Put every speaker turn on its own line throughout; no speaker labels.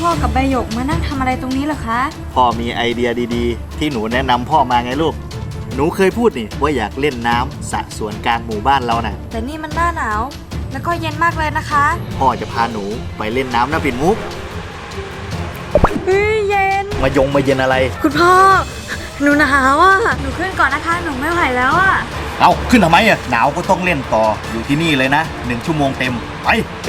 พ่อกับใบหยกมานั่งทำอะไรตรงนี้เหรอคะ
พ่อมีไอเดียดีๆที่หนูแนะนำพ่อมาไงลูกหนูเคยพูดนี่ว่าอยากเล่นน้ำสระสวนกลางหมู่บ้านเราน่ะ
แต่นี่มันหน้าหนาวแล้วก็เย็นมากเลยนะคะ
พ่อจะพาหนูไปเล่นน้ำนะปิ่นมุก
เย็น
มาเย็นอะไร
คุณพ่อหนูหนาวอ่ะหนูขึ้นก่อนนะคะหนูไม่ไหวแล้วอ่ะ
เอาขึ้นทำไมอ่ะหนาวก็ต้องเล่นต่ออยู่ที่นี่เลยนะ1 ชั่วโมงเต็มไป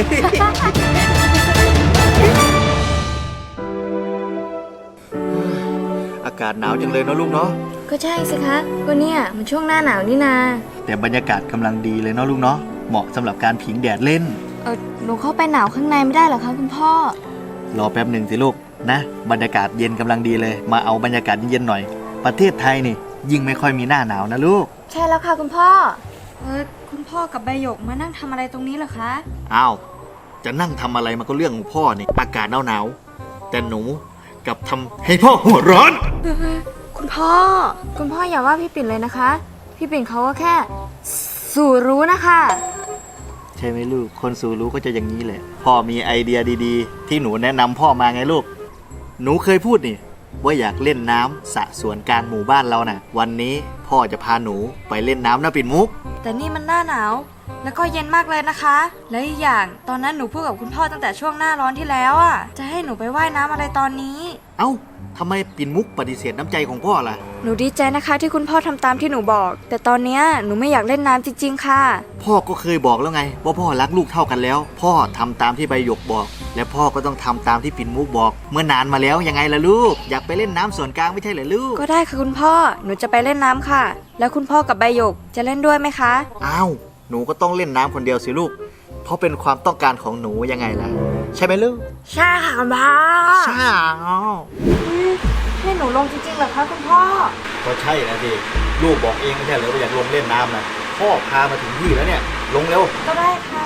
อากาศหนาวจังเลยเนาะลูกเนาะ
ก็ใช่สิคะก็เนี่ยมันช่วงหน้าหนาวนี่นา
แต่บรรยากาศกำลังดีเลยเนาะลูกเนาะเหมาะสำหรับการผิงแดดเล่น
หนูเข้าไปหนาวข้างในไม่ได้หรอคะคุณพ่อ
รอแป๊บหนึ่งสิลูกนะบรรยากาศเย็นกำลังดีเลยมาเอาบรรยากาศเย็นๆหน่อยประเทศไทยนี่ยิ่งไม่ค่อยมีหน้าหนาวนะลูก
ใช่แล้วค่ะคุณพ่อคุณพ่อกับใบหยกมานั่งทำอะไรตรงนี้เหรอคะ
อ้าวจะนั่งทำอะไรมันก็เรื่องของพ่อนี่อากาศหนาวแต่หนูกับทำให้พ่อหัวร้อน
คุณพ่ออย่าว่าพี่ปิ่นเลยนะคะพี่ปิ่นเขาก็แค่สู่รู้นะคะ
ใช่ไหมลูกคนสู่รู้ก็จะอย่างนี้แหละพ่อมีไอเดียดีๆที่หนูแนะนำพ่อมาไงลูกหนูเคยพูดนี่ว่าอยากเล่นน้ำสระสวนกลางหมู่บ้านเราน่ะวันนี้พ่อจะพาหนูไปเล่นน้ำนะปิ่นมุก
แต่นี่มันหน้าหนาวแล้วก็เย็นมากเลยนะคะและอีกอย่างตอนนั้นหนูพูดกับคุณพ่อตั้งแต่ช่วงหน้าร้อนที่แล้วอ่ะจะให้หนูไปว่ายน้ำอะไรตอนนี้
เอ้าทำไมปิ่นมุกปฏิเสธน้ำใจของพ่อล่ะ
หนูดีใจนะคะที่คุณพ่อทำตามที่หนูบอกแต่ตอนนี้หนูไม่อยากเล่นน้ำจริงๆค่ะ
พ่อก็เคยบอกแล้วไงว่าพ่อรักลูกเท่ากันแล้วพ่อทำตามที่ใบหยกบอกและพ่อก็ต้องทำตามที่ปิ่นมุกบอกเมื่อนานมาแล้วยังไงล่ะลูกอยากไปเล่นน้ำส่วนกลางไม่ใช่เหรอลูก
ก็ได้ค่ะคุณพ่อหนูจะไปเล่นน้ำค่ะแล้วคุณพ่อกับใบหยกจะเล่นด้วยไหมคะ
อ้าวหนูก็ต้องเล่นน้ำคนเดียวสิลูกเพราะเป็นความต้องการของหนูยังไงล่ะใช่ไหมลูก
ใช่ค่ะคุณพ่อ
ใช่
ให้หนูลงจริงๆเหรอคะคุณพ่อ
ก็ใช่นะสิลูกบอกเองไม่ใช่เหรอว่าอยากลงเล่นน้ำนะพ่อพามาถึงที่แล้วเนี่ยลงเร็ว
ก็ได้ค่ะ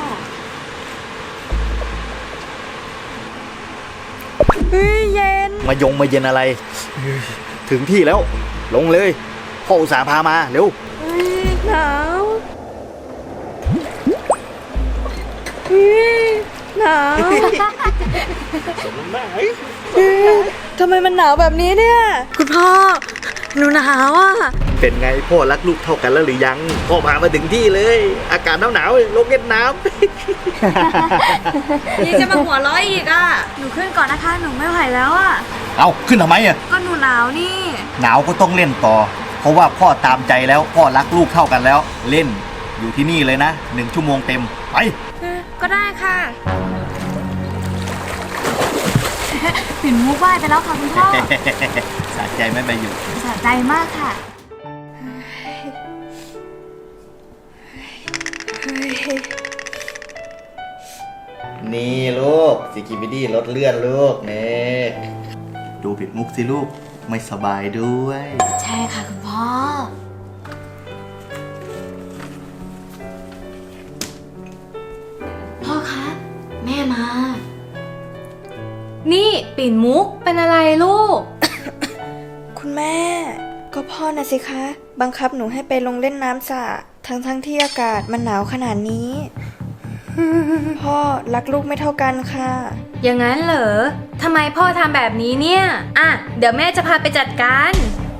เย็น
มาเย็นอะไรถึงที่แล้วลงเลยพ่ออุตส่าห์พามาเร็ว
หนาวหนาว
สมน้ำหน้า
ทำไมมันหนาวแบบนี้เนี่ยคุณพ่อหนูหนาวอ่ะ
เป็นไงพ่อรักลูกเท่ากันแล้วหรือยังพ่อพามาถึงที่เลยอากาศหนาวลงเล่นน้
ำนี่จะมาหัวร้อยอีกอ่ะหนูขึ้นก่อนนะคะหนูไม่ไหวแล้วอ่ะ
เอาขึ้นทำไมอ่ะ
ก็หนูหนาวนี่
หนาวก็ต้องเล่นต่อเพราะว่าพ่อตามใจแล้วพ่อรักลูกเท่ากันแล้วเล่นอยู่ที่นี่เลยนะ1 ชั่วโมงเต็มไป
ก็ได้ค่ะปิ่นมุกไหว้ไปแล้วค่ะคุณพ่อ
สะใจไหมใบหยก
สะใจมากค่ะ
นี่ลูกซิกิบิดี้รถเลื่อนลูกเนี่ยดูปิ่นมุกสิลูกไม่สบายด้วย
ใช่ค่ะคุณพ่อพ่อคะแม่มา
นี่ปิ่นมุกเป็นอะไรลูก
คุณแม่ก็พ่อนะสิคะบังคับหนูให้ไปลงเล่นน้ำสระทั้งที่อากาศมันหนาวขนาดนี้ พ่อรักลูกไม่เท่ากันค่ะ
อย่างนั้นเหรอทำไมพ่อทำแบบนี้เนี่ยอ่ะเดี๋ยวแม่จะพาไปจัดการ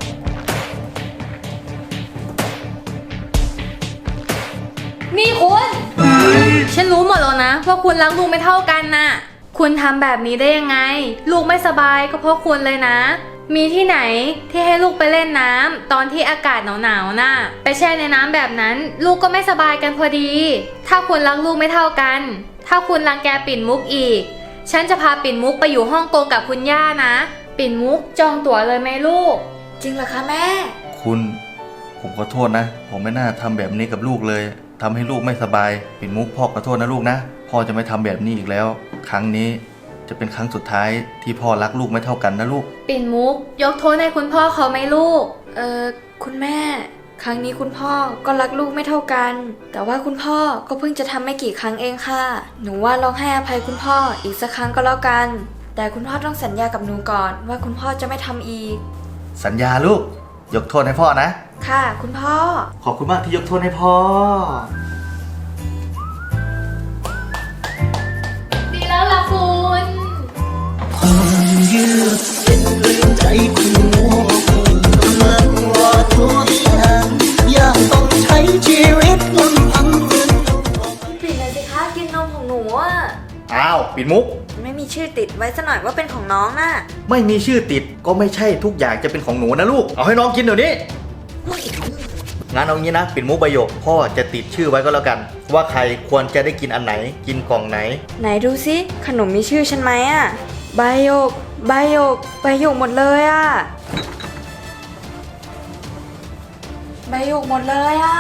นี่คุณฉันรู้หมดแล้วนะว่าคุณรักลูกไม่เท่ากันน่ะคุณทำแบบนี้ได้ยังไงลูกไม่สบายก็เพราะคุณเลยนะมีที่ไหนที่ให้ลูกไปเล่นน้ำตอนที่อากาศหนาวๆน่ะไปแช่ในน้ำแบบนั้นลูกก็ไม่สบายกันพอดีถ้าคุณรักลูกไม่เท่ากันถ้าคุณรังแกปิ่นมุกอีกฉันจะพาปิ่นมุกไปอยู่ฮ่องกงกับคุณย่านะปิ่นมุกจองตั๋วเลยไหมลูก
จริงเหรอคะแม่
ผมขอโทษนะผมไม่น่าทำแบบนี้กับลูกเลยทำให้ลูกไม่สบายปิ่นมุกพ่อขอโทษนะลูกนะพ่อจะไม่ทำแบบนี้อีกแล้วครั้งนี้จะเป็นครั้งสุดท้ายที่พ่อรักลูกไม่เท่ากันนะลูก
ปิ่นมุกยกโทษให้คุณพ่อเขาไหมลูก
คุณแม่ครั้งนี้คุณพ่อก็รักลูกไม่เท่ากันแต่ว่าคุณพ่อก็เพิ่งจะทำไม่กี่ครั้งเองค่ะหนูว่าลองให้อภัยคุณพ่ออีกสักครั้งก็แล้วกันแต่คุณพ่อต้องสัญญากับหนูก่อนว่าคุณพ่อจะไม่ทำอีก
สัญญาลูกยกโทษให้พ่อนะ
ค่ะคุณพ่อ
ขอบคุณมากที่ยกโทษให้พ่อ
ดีแล้วล่ะคุณ
ความยืดเส้นเรื่องใจคุณโง่กำลังรอทุกอย่างยังต้องใช้ชีวิตลำพังฝืนตัว
ปิดเลยสิคะกินนมของหนูอ่ะ
อ้าวปิ่นมุก
ไม่มีชื่อติดไว้ซะหน่อยว่าเป็นของน้องน่ะ
ไม่มีชื่อติดก็ไม่ใช่ทุกอย่างจะเป็นของหนูนะลูก เอาให้น้องกินเดี๋ยวนี้งั้นเอางี้นะปิ่นมุกใบหยกพ่อจะติดชื่อไว้ก็แล้วกัน ว่าใครควรจะได้กินอันไหน กินกล่องไหน
ไหนดูสิขนมมีชื่อฉันไหมอ่ะใบหยกใบหยกใบหยกหมดเลยอ่ะใบหยกหมดเลยอ่ะ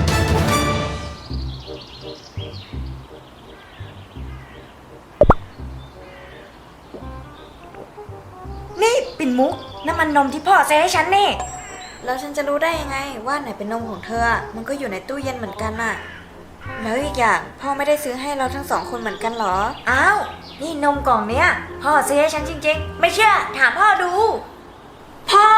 นี่ปิ่นมุกน้ำมันนมที่พ่อซื้อให้ฉันนี่แล้วฉันจะรู้ได้ยังไงว่าไหนเป็นนมของเธออะมันก็อยู่ในตู้เย็นเหมือนกันน่ะแล้วอีกอย่างพ่อไม่ได้ซื้อให้เราทั้งสองคนเหมือนกันเหรออ้าวนี่นมกล่องเนี้ยพ่อซื้อให้ฉันจริงๆไม่เชื่อถามพ่อดูพ่อ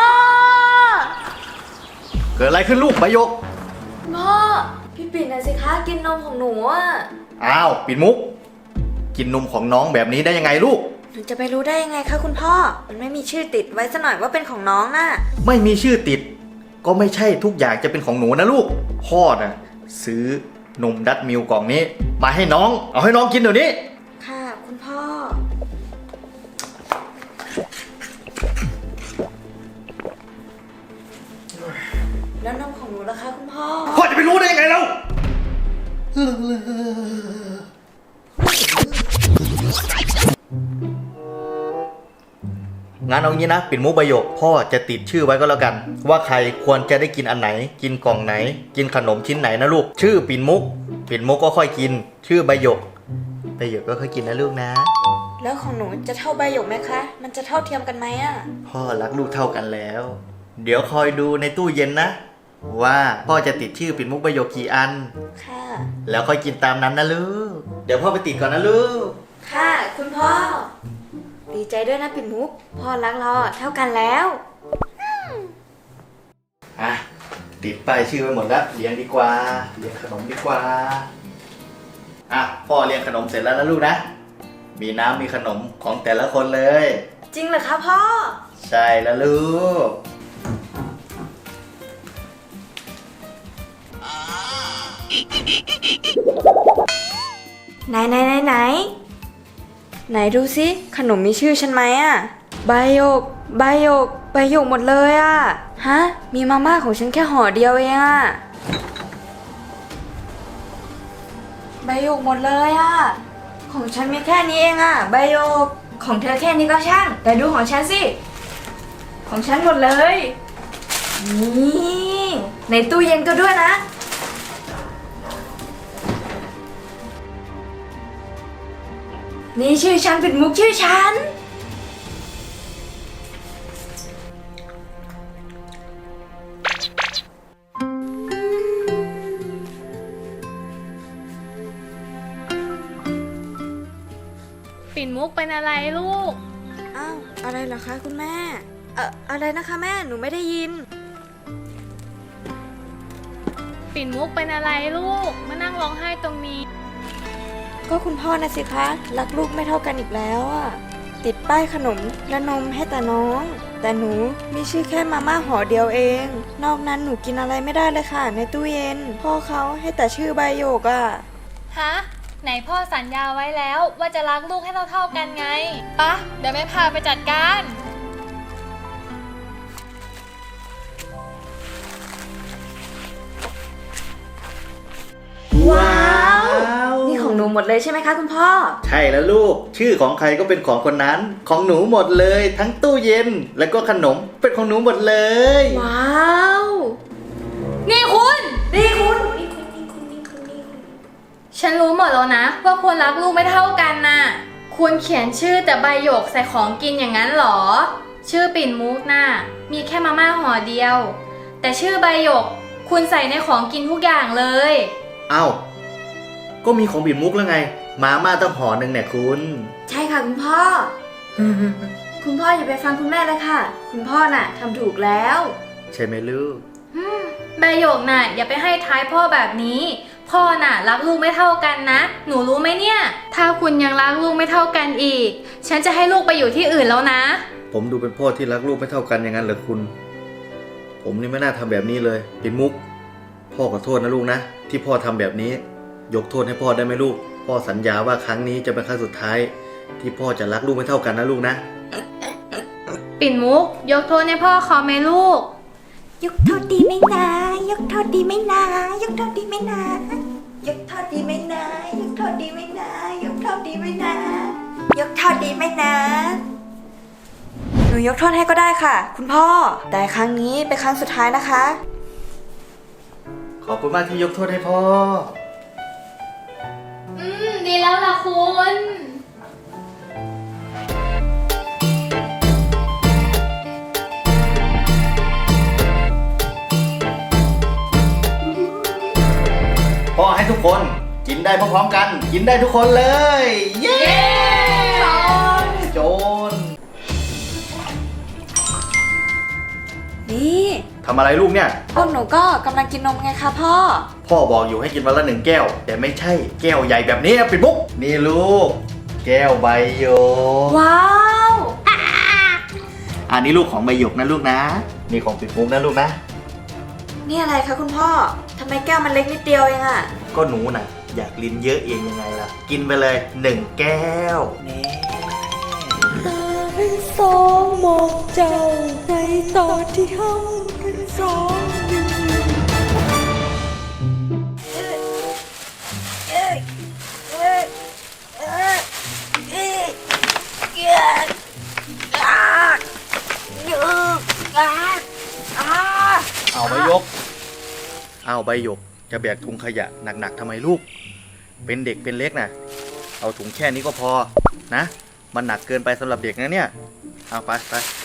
เกิดอะไรขึ้นลูกใบหยก
พ่อพี่ปิ่นน่ะสิคะกินนมของหนูอ่ะ
อ้าวปิ่นมุก กินนมของน้องแบบนี้ได้ยังไงลูก
หนูจะไปรู้ได้ยังไงคะคุณพ่อมันไม่มีชื่อติดไว้ซะหน่อยว่าเป็นของน้องน่ะ
ไม่มีชื่อติด ก็ไม่ใช่ทุกอย่างจะเป็นของหนูนะลูก พ่อน่ะซื้อนมดัตมิลกล่องนี้ มาให้น้อง เอาให้น้องกินเดี๋ยวนี้
ค่ะคุณพ่อแล้วนมของหนูล่ะคะคุณพ่อ
พ่อจะไปรู้ได้ยังไงเรางั้นเอางี้นะปิ่นมุกใบหยกพ่อจะติดชื่อไว้ก็แล้วกัน ว่าใครควรจะได้กินอันไหน กินกล่องไหน กินขนมชิ้นไหนนะลูก ชื่อปิ่นมุก ปิ่นมุกก็ค่อยกิน ชื่อใบหยกใบหยกก็ค่อยกินนะลูกนะ
แล้วของหนูจะเท่าใบหยกไหมคะ มันจะเท่าเทียมกันไหมอ่ะ
พ่อรักลูกเท่ากันแล้ว เดี๋ยวคอยดูในตู้เย็นนะ ว่าพ่อจะติดชื่อปิ่นมุกใบหยกกี่อัน
ค่ะ
แล้วค่อยกินตามนั้นนะลูก เดี๋ยวพ่อไปติดก่อนนะลูก
ค่ะคุณพ่อ ดีใจด้วยนะปิ่นมุก พ่อรักเราอะเท่ากันแล้ว
อ่ะ ติดป้ายชื่อไว้หมดแล้วเรียงดีกว่าเรียงขนมดีกว่า อ่ะ พ่อเรียงขนมเสร็จแล้วนะลูกนะ มีน้ำมีขนมของแต่ละคนเลย
จริงเหรอคะพ่อ
ใช่แล้วลูก
ไหนไหนไหนไหนไหนดูสิขนมมีชื่อฉันไหมอ่ะใบหยกใบหยกใบหยกหมดเลยอ่ะฮะมีมาม่าของฉันแค่ห่อเดียวเองอ่ะใบหยกหมดเลยอ่ะของฉันมีแค่นี้เองอ่ะใบหยกของเธอแค่นี้ก็ช่างแต่ดูของฉันสิของฉันหมดเลยนี่ในตู้เย็นก็ด้วยนะนี่ชื่อฉันเป็นมุกชื่อฉัน
ปิ่นมุกเป็นอะไรลูก
อ้าวอะไรเหรอคะคุณแม่อะไรนะคะแม่หนูไม่ได้ยิน
ปิ่นมุกเป็นอะไรลูกมานั่งร้องไห้ตรงนี้
ก็คุณพ่อนะสิคะรักลูกไม่เท่ากันอีกแล้วอะติดป้ายขนมและนมให้แต่น้อง แต่หนูมีชื่อแค่มาม่าห่อเดียวเอง นอกนั้นหนูกินอะไรไม่ได้เลยค่ะในตู้เย็น พ่อเขาให้แต่ชื่อใบโยกอะ
ฮะ ไหนพ่อสัญญาไว้แล้วว่าจะรักลูกให้เท่าๆกันไงปะเดี๋ยวแม่พาไปจัดการ
ว้าวนี่ของหนูหมดเลยใช่ไหมคะคุณพ่อ
ใช่แล้วลูก ชื่อของใครก็เป็นของคนนั้น ของหนูหมดเลย ทั้งตู้เย็น แล้วก็ขนมเป็นของหนูหมดเลย
ว้าว
นี่คุณ
นี่คุณนี่คุณนี่คุณนี่คุณนี่คุณ
ฉันรู้หมดแล้วนะว่าคุณรักลูกไม่เท่ากันน่ะ คุณเขียนชื่อแต่ใบหยกใส่ของกินอย่างนั้นเหรอ ชื่อปิ่นมุกน่ะมีแค่มาม่าห่อเดียว แต่ชื่อใบหยกคุณใส่ในของกินทุกอย่างเลย
เอ้า ก็มีของปิ่นมุกแล้วไง มาม่าต้องห่อหนึ่งเนี่ยคุณ
ใช่ค่ะคุณพ่อ คุณพ่ออย่าไปฟังคุณแม่เลยค่ะ คุณพ่อน่ะทำถูกแล้ว
ใช่ไหมลูก
ใบหยกน่ะอย่าไปให้ท้ายพ่อแบบนี้พ่อน่ะรักลูกไม่เท่ากันนะ หนูรู้ไหมเนี่ย ถ้าคุณยังรักลูกไม่เท่ากันอีก ฉันจะให้ลูกไปอยู่ที่อื่นแล้วนะ
ผมดูเป็นพ่อที่รักลูกไม่เท่ากันอย่างนั้นเหรอคุณ ผมนี่ไม่น่าทำแบบนี้เลยปิ่นมุก พ่อขอโทษนะลูกนะ ที่พ่อทำแบบนี้ ยกโทษให้พ่อได้ไหมลูก พ่อสัญญาว่าครั้งนี้จะเป็นครั้งสุดท้าย ที่พ่อจะรักลูกไม่เท่ากันนะลูกนะ
ปิ่นมุก ยกโทษให้พ่อเขาไหมลูก
ยกโทษดีไหมนะยกโทษดีไหมนะยกโทษดีไหมนะยกโทษดีไหมนะยกโทษดีไหมนะยกโทษดีไหมนะยกโทษดีไหมนะหนูยกโทษให้ก็ได้ค่ะ คุณพ่อ แต่ครั้งนี้เป็นครั้งสุดท้ายนะคะ
ขอบคุณมากที่ยกโทษให้พ่อ
ดีแล้วล่ะคุณ
พ่อให้ทุกคนกินได้พร้อมๆกัน กินได้ทุกคนเลย เย้โจน
นี่
ทำอะไรลูกเนี่ย
พวกหนูก็กำลังกินนมไงคะพ่อ
พ่อบอกอยู่ให้กินวันละ1 แก้ว แต่ไม่ใช่แก้วใหญ่แบบนี้ปิดมุก นี่ลูก แก้วใบหยก
ว้าว
อันนี้ลูกของใบหยกนะลูกนะ นี่ของปิดมุกนะลูกนะ
นี่อะไรคะคุณพ่อทำไมแก้วมันเล็กนิดเดียวเองอะ
ก็หนูน่ะ อยากลิ้นเยอะเองยังไงล่ะ กินไปเลย1 แก้วนี่
เป็นสองหมกเจ้าในตอนที่ห้องเป็นสองหนึ่ง
เอาใบหยก เอาใบหยก จะแบกถุงขยะหนักๆทำไมลูก เป็นเด็กเป็นเล็กนะเอาถุงแค่นี้ก็พอนะ มันหนักเกินไปสำหรับเด็กนะเนี่ย เอาไป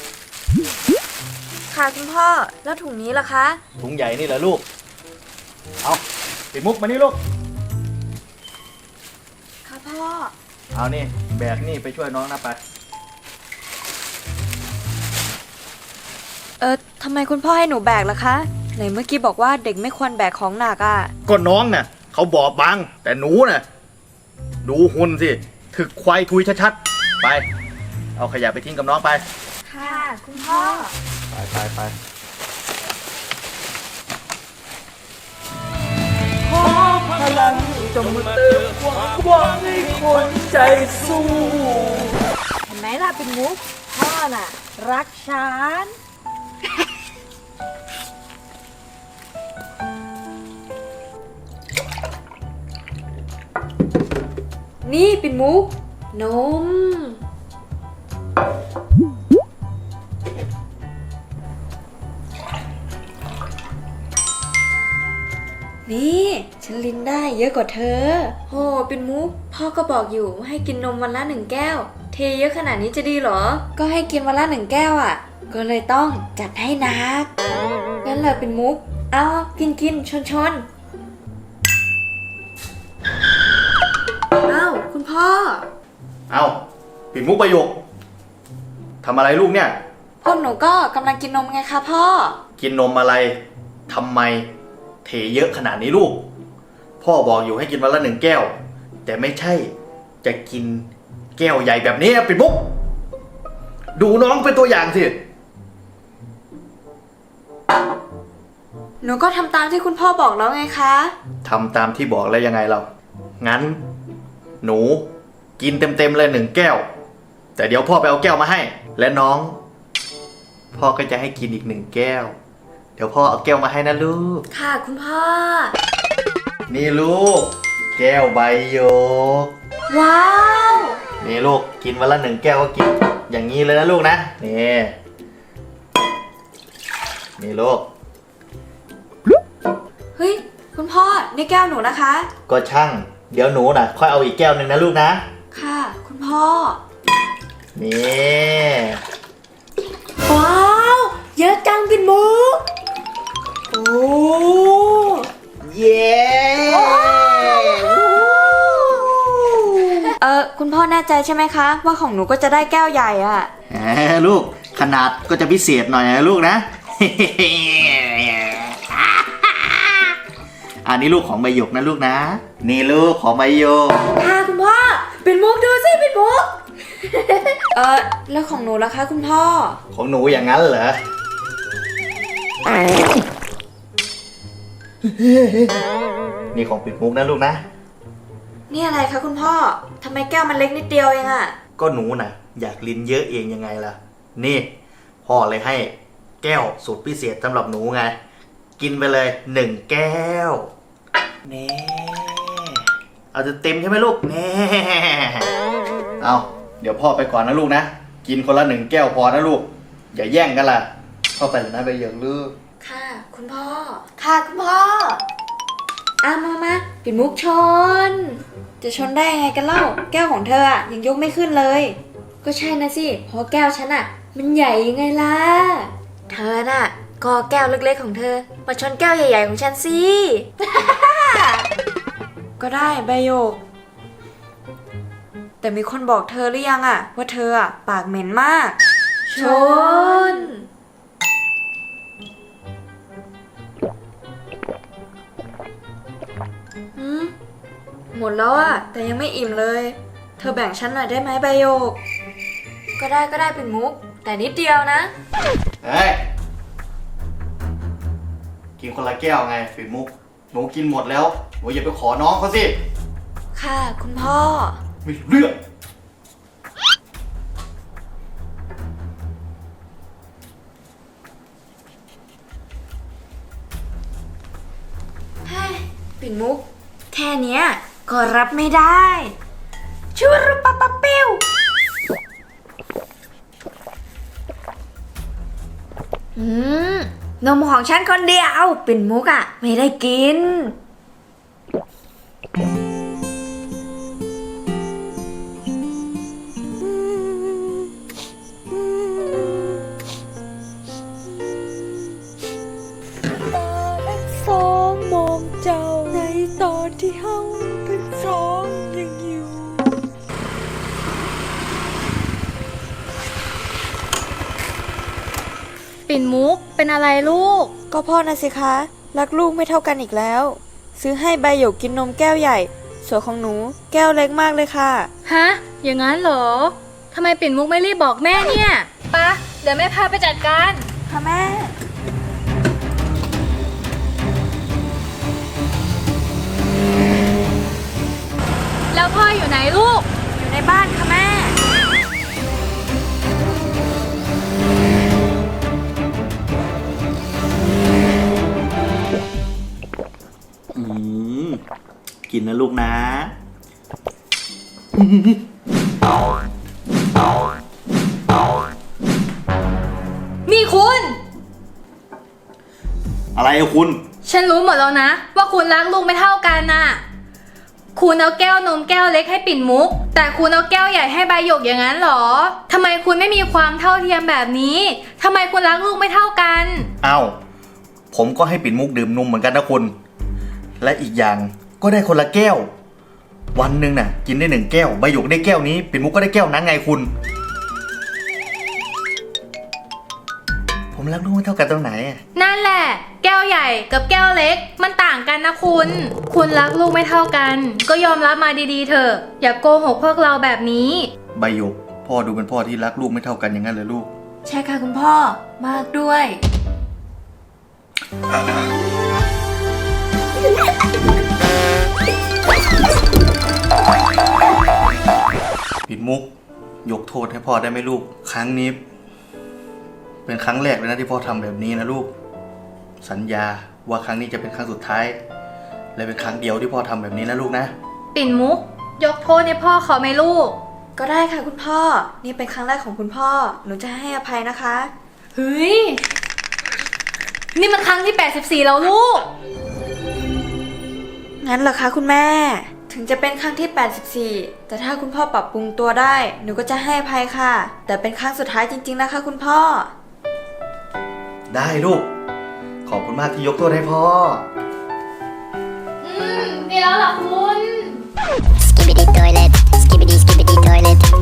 ค่ะคุณพ่อ แล้วถุงนี้ล่ะคะ
ถุงใหญ่นี่เหรอลูก เอาปิดมุกมานี่ลูก
ค่ะพ่อ
เอานี่แบกนี่ไปช่วยน้องนะไป
ทำไมคุณพ่อให้หนูแบกล่ะคะ ไหนเมื่อกี้บอกว่าเด็กไม่ควรแบกของหนักอ่ะ
ก็น้องน่ะเขาบอบบางแต่หนูน่ะดูหุ่นสิถึกควายทุยชัดๆไป เอาขยะไปทิ้งกับน้องไป
ค่ะคุณพ่อ
ไป
พลังจงมาเติมความหวังให้คนใจสู้
เห็นไหมล่ะเป็นมุก พ่อน่ะ รักฉัน นี่ปิ่นมุก นม นี่ฉันลิ้นได้เยอะกว่าเธอโหปิ่นมุก พ่อก็บอกอยู่ว่าให้กินนมวันละ1 แก้ว เทเยอะขนาดนี้จะดีเหรอ ก็ให้กินวันละ1 แก้วอ่ะ ก็เลยต้องจัดให้หนัก งั้นเลยปิ่นมุก เอากินชนอ้าวคุณพ่อ
เอาปิดมุกประโยคทำอะไรลูกเนี่ย
พวกหนูก็กำลังกินนมไงคะพ่อ
กินนมอะไรทำไมเทเยอะขนาดนี้ลูก พ่อบอกอยู่ให้กินวันละ1 แก้ว แต่ไม่ใช่จะกินแก้วใหญ่แบบนี้ปิดมุก ดูน้องเป็นตัวอย่างสิ
หนูก็ทำตามที่คุณพ่อบอกแล้วไงคะ
ทำตามที่บอกแล้วยังไงเรา งั้น หนูกินเต็มๆเลย1 แก้ว แต่เดี๋ยวพ่อไปเอาแก้วมาให้ และน้อง พ่อก็จะให้กินอีก1 แก้ว เดี๋ยวพ่อเอาแก้วมาให้นะลูก
ค่ะคุณพ่อ
นี่ลูก แก้วใบหยก
ว้าว
นี่ลูกกินวันละ1 แก้วก็กินอย่างนี้เลยนะลูกนะนี่ลูก
เฮ้ยคุณพ่อนี่แก้วหนูนะคะ
ก็ช่าง เดี๋ยวหนูน่ะค่อยเอาอีกแก้วหนึ่งนะลูกนะ
ค่ะ คุณพ่อ
นี่
ว้าว เยอะจังปิ่นมุก โอ้
เย้
คุณพ่อแน่ใจใช่ไหมคะ ว่าของหนูก็จะได้แก้วใหญ่อะ
แหมลูกขนาดก็จะพิเศษหน่อยนะลูกนะ เออันนี้ลูกของใบหยกนะลูกนะ นี่ลูกของใบหยก
ค่ะคุณพ่อปิ่นมุกดูสิปิ่นมุก แล้วของหนูล่ะคะคุณพ่อ
ของหนูอย่างนั้นเหรอ นี่ของปิดมุกนะลูกนะ
นี่อะไรคะคุณพ่อทำไมแก้วมันเล็กนิดเดียวเองอะ
ก็หนูน่ะ อยากลิ้นเยอะเองยังไงล่ะ นี่พ่อเลยให้แก้วสูตรพิเศษสำหรับหนูไง กินไปเลย1 แก้วแน่เอาจะเต็มใช่ไหมลูกแน่เอาเดี๋ยวพ่อไปก่อนนะลูกนะ กินคนละ1 แก้วพอนะลูก อย่าแย่งกันล่ะ เข้าไปเลยนะใบหยกลูก
ค่ะคุณพ่อ ค่ะคุณพ่อมาปิ่นมุกชน จะชนได้ยังไงกันเล่า แก้วของเธออะยังยกไม่ขึ้นเลย ก็ใช่นะสิเพราะแก้วฉันอะมันใหญ่ยังไงล่ะ เธอน่ะก็แก้วเล็กๆของเธอมาชนแก้วใหญ่ๆของฉันสิ ก็ได้ใบโยก แต่มีคนบอกเธอหรือยังอะว่าเธออะปากเหม็นมาก ชน หมดแล้วอะแต่ยังไม่อิ่มเลย เธอแบ่งฉันหน่อยได้ไหมใบโยก ก็ได้เป็นมุก แต่นิดเดียวนะ
เฮ้ย กินคนละแก้วไงปิดมุก หนูกินหมดแล้วหนูอย่าไปขอน้องเขาสิ
ค่ะคุณพ่อ
ไม่รู้เรื่อง
ปิ่นมุก แค่เนี้ยก็รับไม่ได้ชูรุปะปะปิ้วนมของฉันคนเดียวปิ่นมุกอะไม่ได้กิน
สองมองเจ้าในตอนที่เฮาทั้งสองยังอยู่
ปิ่นมุกเป็นอะไรลูก
ก็พ่อนะสิคะ รักลูกไม่เท่ากันอีกแล้ว ซื้อให้ใบหยกกินนมแก้วใหญ่ ส่วนของหนูแก้วเล็กมากเลยค่ะ
ฮะ อย่างนั้นเหรอ ทำไมปิ่นมุกไม่รีบบอกแม่เนี่ยปะเดี๋ยวแม่พาไปจัดการ
ค่ะแม่
แล้วพ่ออยู่ไหนลูก
อยู่ในบ้านค่ะแม่
กินนะลูกนะ
นี่คุณ
อะไรอะคุณ
ฉันรู้หมดแล้วนะ ว่าคุณรักลูกไม่เท่ากันน่ะ คุณเอาแก้วนมแก้วเล็กให้ปิ่นมุก แต่คุณเอาแก้วใหญ่ให้ใบหยกอย่างนั้นเหรอทำไมคุณไม่มีความเท่าเทียมแบบนี้ทำไมคุณรักลูกไม่เท่ากัน
เอ้า ผมก็ให้ปิ่นมุกดื่มนมเหมือนกันนะคุณ และอีกอย่างก็ได้คนละแก้ว วันหนึ่งน่ะ กินได้1 แก้ว ใบหยกได้แก้วนี้ ปิ่นมุกก็ได้แก้วนั้นไงคุณ ผมรักลูกไม่เท่ากันตรงไหนอะ
นั่นแหละ แก้วใหญ่กับแก้วเล็กมันต่างกันนะคุณ คุณรักลูกไม่เท่ากัน ก็ยอมรับมาดีๆเถอะ อย่าโกหกพวกเราแบบนี้
ใบหยก พ่อดูเป็นพ่อที่รักลูกไม่เท่ากันอย่างนั้นเลยลูก
ใช่ค่ะคุณพ่อ มากด้วย
ปิดมุก ยกโทษให้พ่อได้ไหมลูก ครั้งนี้ เป็นครั้งแรกเลยนะที่พ่อทำแบบนี้นะลูก สัญญาว่าครั้งนี้จะเป็นครั้งสุดท้าย และเป็นครั้งเดียวที่พ่อทำแบบนี้นะลูกนะ
ปิ่นมุก ยกโทษให้พ่อเขาไหมลูก
ก็ได้ค่ะคุณพ่อ นี่เป็นครั้งแรกของคุณพ่อ หนูจะให้อภัยนะคะ
เฮ้ย นี่มันครั้งที่ 84 แล้วลูก
งั้นเหรอคะคุณแม่ ถึงจะเป็นครั้งที่ 84 แต่ถ้าคุณพ่อปรับปรุงตัวได้ หนูก็จะให้อภัยค่ะ แต่เป็นครั้งสุดท้ายจริงๆนะคะคุณพ่อ
ได้ลูก ขอบคุณมากที่ยกโทษให้พ่อ
ดีแล้วเหรอคุณ
Skibbity toilet, skibbity skibbity toilet.